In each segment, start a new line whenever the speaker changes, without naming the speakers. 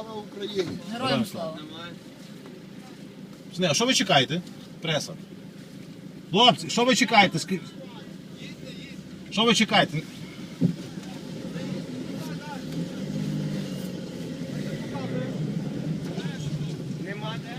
Слава Україні!
Героям слава.
А що ви чекаєте? Преса. Хлопці, що ви чекаєте? Що ви чекаєте?
Нема де?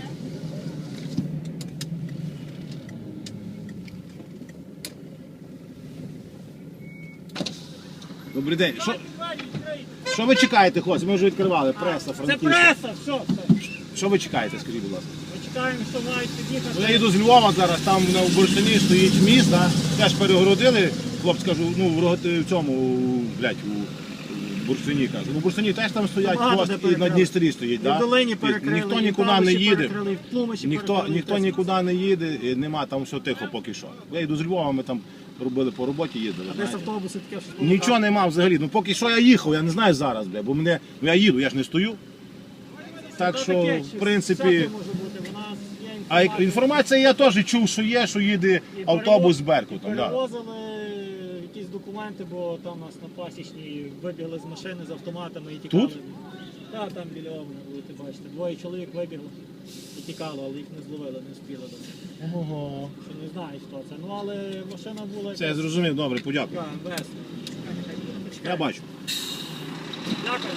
Добрий день. Що ви чекаєте, хлопці? Ми вже відкривали. Преса,
Це
Франківська.
преса, все.
Що ви чекаєте, скажіть, будь ласка?
Ми чекаємо, що мають під'їхати.
Ну, я їду з Львова зараз, там на Бурштині стоїть міст, да? Теж перегородили, хлопці кажу, ну в цьому, блядь, у Бурштині кажу. Ну, в Бурштині теж там стоять,
Багато
пост
де
і на
перекрили.
Дністрі стоїть,
І
да?
в долині перекрили,
Ніхто
і
нікуди
там
не
ще
їде.
перекрили, і в Тлумачі перекрили,
Ніхто
і
нікуди не їде, і нема, там все тихо поки що. Я йду з Львова, ми там робили по роботі, їздили.
А десь
знаєте.
автобуси таке, що
Нічого нема взагалі. Ну поки що я їхав, я не знаю зараз, бля, бо мене, ну я їду, я ж не стою. Так що, в принципі,
Всяке може бути. У нас є
а
інформація.
інформація я теж чув, що є, що їде
І
автобус з
перевоз-
Беркутом.
і
Да.
Перевозили якісь документи, бо там нас на пасічній вибігли з машини з автоматами і тікали.
Тут?
Так, там біля Овна, будете бачите. Двоє чоловік вибігли і тікали, але їх не зловили, не спіли до них.
Ого.
Що не знаю, хто це. Ну але машина була
Це я зрозумів, добре, подякую.
така, МВС.
Я бачу.
Дякую.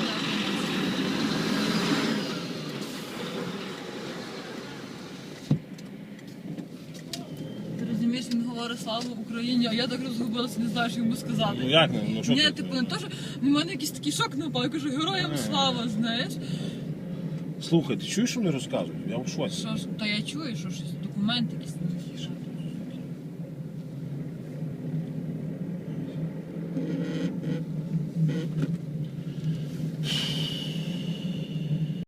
Ти розумієш, він говорить слава Україні, а я так розгубилася, не знаю, що йому сказати.
Ну як не? Ну що
Ні,
ти?
типу, не то, що в мене якийсь такий шок напав, я кажу, героям слава, знаєш.
Слухай, ти чуєш, що вони розказують? Я в шоці.
Що ж, та я чую, що щось, документи якісь.